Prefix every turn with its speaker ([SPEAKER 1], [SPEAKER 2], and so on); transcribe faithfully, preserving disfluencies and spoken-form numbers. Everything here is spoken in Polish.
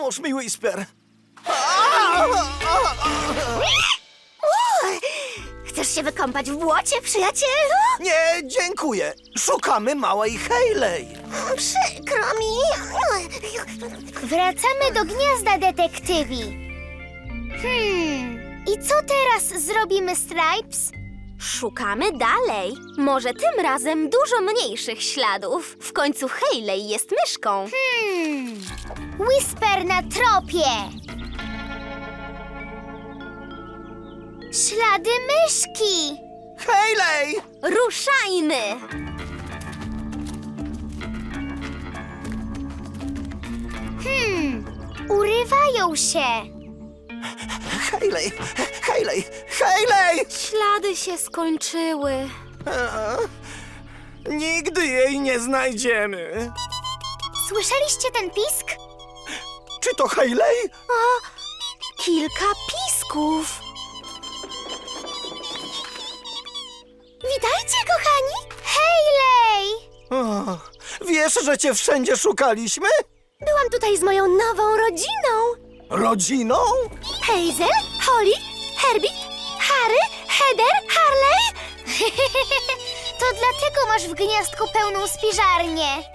[SPEAKER 1] Pomóż mi, Whisper.
[SPEAKER 2] Chcesz się wykąpać w błocie, przyjacielu?
[SPEAKER 1] Nie, dziękuję. Szukamy małej Hayley.
[SPEAKER 2] Przykro mi.
[SPEAKER 3] Wracamy do gniazda detektywi. Hmm, i co teraz zrobimy, Stripes?
[SPEAKER 2] Szukamy dalej. Może tym razem dużo mniejszych śladów. W końcu Hayley jest myszką.
[SPEAKER 3] Hmm, Whisper na tropie. Ślady myszki.
[SPEAKER 1] Hayley!
[SPEAKER 2] Ruszajmy!
[SPEAKER 3] Hmm, urywają się.
[SPEAKER 1] Hayley! Hayley! Hayley!
[SPEAKER 2] Ślady się skończyły.
[SPEAKER 1] Eee, Nigdy jej nie znajdziemy.
[SPEAKER 3] Słyszeliście ten pisk?
[SPEAKER 1] Czy to Hayley?
[SPEAKER 2] Kilka pisków.
[SPEAKER 3] Witajcie, kochani! Hayley!
[SPEAKER 1] O, wiesz, że cię wszędzie szukaliśmy?
[SPEAKER 2] Byłam tutaj z moją nową rodziną.
[SPEAKER 1] Rodziną?
[SPEAKER 2] Hazel, Holly, Herbie, Harry, Heather, Harley.
[SPEAKER 3] To dlatego masz w gniazdku pełną spiżarnię.